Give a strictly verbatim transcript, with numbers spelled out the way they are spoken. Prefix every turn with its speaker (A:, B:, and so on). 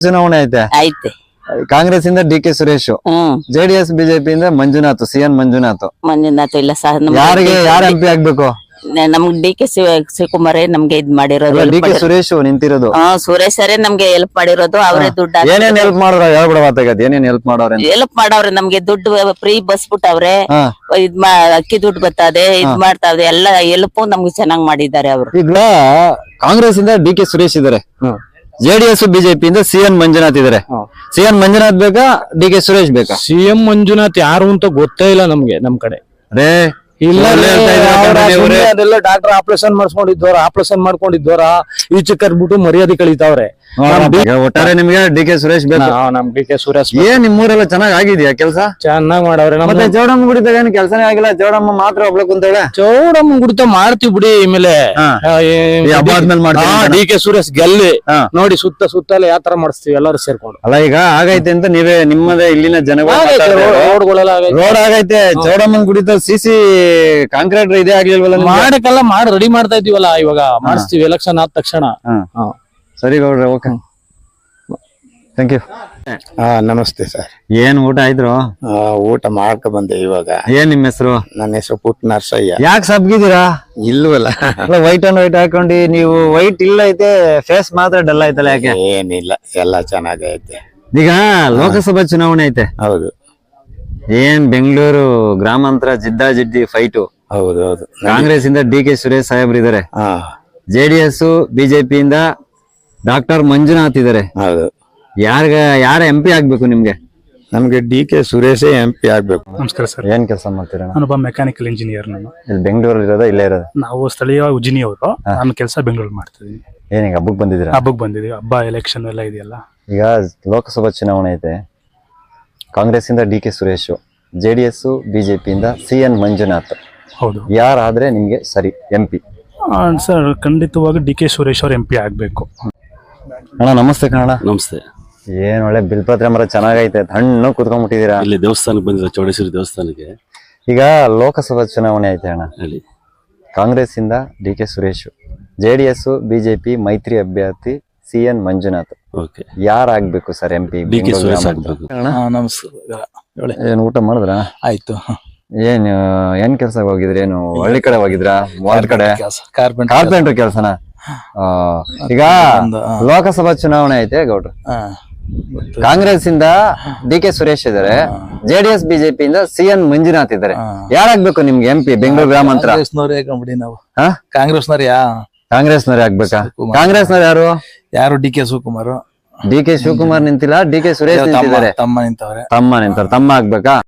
A: ಚುನಾವಣೆ ಐತೆ
B: ಐತೆ
A: ಕಾಂಗ್ರೆಸ್ ಇಂದ D K Suresh,
B: hmm
A: JDS BJP ಇಂದ ಮಂಜುನಾಥ್, ಸಿ ಎನ್ ಮಂಜುನಾಥ್.
B: ಮಂಜುನಾಥ್ ಇಲ್ಲ ಸಹ
A: ಯಾರಿಗೆ ಯಾರ ಎಂ ಪಿ ಆಗ್ಬೇಕು?
B: ನಮ್ಗ್ ಡಿ ಕೆ ಶಿವಕುಮಾರೇ ನಮ್ಗೆ ಇದ್ ಮಾಡಿರೋದು.
A: ಡಿ ಕೆ ಸುರೇಶ್ ನಿಂತಿರೋದು.
B: ಹಾ ಸುರೇಶ್ ಸರೇ ನಮ್ಗೆ ಹೆಲ್ಪ್ ಮಾಡಿರೋದು. ಅವರೇ ದುಡ್ಡು
A: ಏನೇನ್ ಹೆಲ್ಪ್ ಮಾಡೋರ ಹೇಳ್ಬಿಡವಾತಾಗದ್ ಏನೇನ್ ಹೆಲ್ಪ್ ಮಾಡೋರ
B: ಹೆಲ್ಪ್ ಮಾಡವ್ರೆ. ನಮ್ಗೆ ದುಡ್ಡು ಫ್ರೀ ಬಸ್ ಬಿಟ್ಟವ್ರೆ, ಇದ್ ಮಾ ಅಕ್ಕಿ ದುಡ್ಡು ಬರ್ತದೆ, ಇದ್ ಮಾಡ್ತಾವ್ರೆ, ಎಲ್ಲ ಹೆಲ್ಪ್ ನಮ್ಗೆ ಚೆನ್ನಾಗ್ ಮಾಡಿದ್ದಾರೆ ಅವರು.
A: ಈಗ ಕಾಂಗ್ರೆಸ್ ಇಂದ ಡಿ ಕೆ ಸುರೇಶ್ ಇದಾರೆ, ಜೆಡಿಎಸ್ ಬಿಜೆಪಿ ಇಂದ ಸಿ ಎನ್ ಮಂಜುನಾಥ್ ಇದಾರೆ. ಸಿ ಎನ್ ಮಂಜುನಾಥ್ ಬೇಕಾ ಡಿ ಕೆ ಸುರೇಶ್ ಬೇಕಾ?
C: ಸಿ ಎಂ ಮಂಜುನಾಥ್ ಯಾರು ಅಂತ ಗೊತ್ತೇ ಇಲ್ಲ ನಮ್ಗೆ ನಮ್ ಕಡೆ.
A: ರೇ
C: ಇಲ್ಲ ಡಾಕ್ಟರ್ ಆಪರೇಷನ್ ಮಾಡಿಸ್ಕೊಂಡಿದ್ದವ್ರ ಆಪರೇಷನ್ ಮಾಡ್ಕೊಂಡಿದ್ದವ್ರ ಈಚೆ ಕರ್ಬಿಟ್ಟು ಮರ್ಯಾದೆ ಕಳೀತಾವ್ರೆ.
A: ಒಟ್ಟಾರೆ ನಿಮ್ಗೆ ಡಿ ಕೆ ಸುರೇಶ್ ಬೇಕು.
C: ನಮ್ ಡಿ ಕೆ ಸುರೇಶ್
A: ಏನ್ ನಿಮ್ಮೂರೆಲ್ಲ ಚೆನ್ನಾಗ್ ಆಗಿದ್ಯಾ ಕೆಲಸ?
C: ಚೆನ್ನಾಗ್ ಮಾಡವ್ರೆ.
A: ಮತ್ತೆ ಚೌಡಮ್ಮ ಗುಡಿದಾಗ ಏನ್ ಕೆಲಸನೇ ಆಗಿಲ್ಲ, ಚೌಡಮ್ಮ ಮಾತ್ರ ಒಬ್ಳು ಕುಂತಾಳೆ.
C: ಚೌಡಮ್ಮ ಗುಡಿತ ಮಾಡ್ತೀವಿ ಬಿಡಿ. ಆಮೇಲೆ
A: ಹಬ್ಬ ಆದ್ಮೇಲೆ ಮಾಡ್ತೀವಿ.
C: ಡಿ ಕೆ ಸುರೇಶ್ ಗೆಲ್ಲಿ ನೋಡಿ ಸುತ್ತ ಸುತ್ತಲ ಯಾವ ತರ ಮಾಡಿಸ್ತೀವಿ ಎಲ್ಲರೂ ಸೇರ್ಕೊಂಡು.
A: ಅಲ್ಲ ಈಗ ಆಗೈತೆ ಅಂತ ನೀವೇ ನಿಮ್ಮದೇ ಇಲ್ಲಿನ ಜನಗಳು
C: ರೋಡ್ಗಳೆಲ್ಲ
A: ರೋಡ್ ಆಗೈತೆ. ಚೌಡಮ್ಮನ್ ಗುಡಿತ ಸಿಸಿ ಕಾಂಕ್ರೀಟ್ ಇದೇ ಆಗ್ಲಿಲ್ವಲ್ಲ?
C: ಮಾಡಕ್ಕೆಲ್ಲ ಮಾಡಿ ರೆಡಿ ಮಾಡ್ತಾ ಇದೀವಲ್ಲ ಇವಾಗ, ಮಾಡಿಸ್ತೀವಿ ಎಲೆಕ್ಷನ್ ಆದ ತಕ್ಷಣ.
A: ಸರಿ ಗೌಡ್ರೆ, ಓಕೆ, ಥ್ಯಾಂಕ್ ಯು.
D: ಹಾ ನಮಸ್ತೆ ಸರ್.
A: ಏನ್ ಊಟ ಆಯ್ತು?
D: ಊಟ ಮಾಡ್ಕೊ ಬಂದೆ ಇವಾಗ.
A: ಏನ್ ನಿಮ್ ಹೆಸರು?
D: ನನ್ನ ಹೆಸರು ಪುಟ್ ನರ್ಸಯ್ಯ.
A: ಯಾಕೆ ಸಬ್ಗಿದ್ದೀರಾ?
D: ಇಲ್ವಲ್ಲ,
A: ವೈಟ್ ಅಂಡ್ ವೈಟ್ ಹಾಕೊಂಡಿ. ನೀವು ವೈಟ್ ಇಲ್ಲ ಐತೆ, ಫೇಸ್ ಮಾತ್ರ ಡಲ್ ಆಯ್ತಲ್ಲ, ಯಾಕೆ?
D: ಏನಿಲ್ಲ, ಎಲ್ಲ ಚೆನ್ನಾಗೈತೆ.
A: ಈಗ ಲೋಕಸಭಾ ಚುನಾವಣೆ ಐತೆ.
D: ಹೌದು.
A: ಏನ್ ಬೆಂಗಳೂರು ಗ್ರಾಮಾಂತರ ಜಿದ್ದಾ ಜಿದ್ದಿ ಫೈಟು.
D: ಹೌದು ಹೌದು.
A: ಕಾಂಗ್ರೆಸ್ ಇಂದ ಡಿ ಕೆ ಸುರೇಶ್ ಸಾಹೇಬ್ರು ಇದಾರೆ,
D: ಹಾ.
A: ಜೆಡಿಎಸ್ ಬಿಜೆಪಿ ಇಂದ ಡಾಕ್ಟರ್ ಮಂಜುನಾಥ್ ಇದಾರೆ.
D: ಹೌದು.
A: ಯಾರ್ಗ ಯಾರ ಎಂ ಪಿ ಆಗ್ಬೇಕು ನಿಮ್ಗೆ?
D: ನಮ್ಗೆ ಡಿ ಕೆ ಸುರೇಶೇ ಎಂ ಪಿ ಆಗ್ಬೇಕು.
E: ನಮಸ್ಕಾರ ಸರ್.
A: ಏನ್ ಕೆಲಸ ಮಾಡ್ತೀರಾ?
E: ನಾನೊಬ್ಬ ಮೆಕ್ಯಾನಿಕಲ್ ಇಂಜಿನಿಯರ್. ನಾನು
A: ಇಲ್ಲಿ ಬೆಂಗಳೂರಲ್ಲಿ ಇರೋದ ಇಲ್ಲೇ ಇರೋದ?
E: ನಾವು ಸ್ಥಳೀಯ ಉಜಿನಿ ಅವರು. ನಾನು ಕೆಲಸ ಬೆಂಗಳೂರು ಮಾಡ್ತಿದ್ದೀನಿ.
A: ಏನೀಗ ಹಬ್ಬಕ್ ಬಂದಿದ್ದೀರಾ?
E: ಹಬ್ಬಕ್ ಬಂದಿದ್ದೀವಿ. ಹಬ್ಬ ಎಲೆಕ್ಷನ್ ಎಲ್ಲ ಇದೆಯಲ್ಲ.
A: ಈಗ ಲೋಕಸಭಾ ಚುನಾವಣೆ ಐತೆ. ಕಾಂಗ್ರೆಸ್ ಇಂದ D K Suresh, JDS BJP ಇಂದ ಸಿ ಎನ್ ಮಂಜುನಾಥ್.
E: ಹೌದು.
A: ಯಾರಾದ್ರೆ ನಿಮ್ಗೆ ಸರಿ ಎಂ ಪಿ?
E: ಸರ್ ಖಂಡಿತವಾಗಿ ಡಿ ಕೆ ಸುರೇಶ್ ಅವ್ರ ಎಂ ಪಿ ಆಗ್ಬೇಕು.
A: ಅಣ್ಣ ನಮಸ್ತೆ ಕನ್ನಡ.
F: ನಮಸ್ತೆ.
A: ಏನ್ ಒಳ್ಳೆ ಬಿಲ್ಪತ್ರ ಮರ ಚೆನ್ನಾಗೈತೆ, ಹಣ್ಣು ಕುತ್ಕೊಂಡ್ಬಿಟ್ಟಿದೀರಾ.
F: ಇಲ್ಲಿ ದೇವಸ್ಥಾನಕ್ಕೆ ಬಂದಿರ, ಚೌಡೇಶ್ವರಿ ದೇವಸ್ಥಾನಕ್ಕೆ.
A: ಈಗ ಲೋಕಸಭಾ ಚುನಾವಣೆ ಐತೆ ಅಣ್ಣ.
F: ಹೇಳಿ.
A: ಕಾಂಗ್ರೆಸ್ ಇಂದ D K Suresh, JDS BJP ಮೈತ್ರಿ ಅಭ್ಯರ್ಥಿ ಸಿ ಎನ್ ಮಂಜುನಾಥ್.
F: ಓಕೆ.
A: ಯಾರಾಗ್ಬೇಕು sir M P?
F: D K Suresh ಆಗ್ಬೇಕು.
C: ನಮಸ್ಕಾರ.
A: ಏನ್ ಊಟ ಮಾಡಿದ್ರ?
C: ಆಯ್ತು.
A: ಏನ್ ಏನ್ ಕೆಲ್ಸ ಹೋಗಿದ್ರಿ? ಏನು ಹಳ್ಳಿ ಕಡೆ ಹೋಗಿದ್ರಾ? ವಾರ್ಡ್ ಕಡೆ ಕಾರ್ಪೆಂಟರ್ ಕೆಲ್ಸನ? ಈಗ ಲೋಕಸಭಾ ಚುನಾವಣೆ ಐತೆ ಗೌಡ್ರು. ಕಾಂಗ್ರೆಸ್ ಇಂದ ಡಿ ಕೆ ಸುರೇಶ್ ಇದಾರೆ, ಜೆಡಿಎಸ್ ಬಿಜೆಪಿ ಇಂದ ಸಿ ಎನ್ ಮಂಜುನಾಥ್ ಇದಾರೆ. ಯಾರಾಗ್ಬೇಕು ನಿಮ್ಗೆ ಎಂ ಪಿ ಬೆಂಗಳೂರು ಗ್ರಾಮಾಂತರ?
C: ನಾವು
A: ಕಾಂಗ್ರೆಸ್ನವ್ರ ಕಾಂಗ್ರೆಸ್ನವ್ರೆ ಆಗ್ಬೇಕಾ? ಕಾಂಗ್ರೆಸ್ನವ್ರು ಯಾರು?
C: ಯಾರು? D K Shivakumar.
A: D K Shivakumar ನಿಂತಿಲ್ಲ, ಡಿ ಕೆ ಸುರೇಶ್ ನಿಂತಿದ್ದಾರೆ.
C: ತಮ್ಮ ನಿಂತವ್ರೆ.
A: ತಮ್ಮ ನಿಂತಾರೆ. ತಮ್ಮ ಆಗ್ಬೇಕಾ?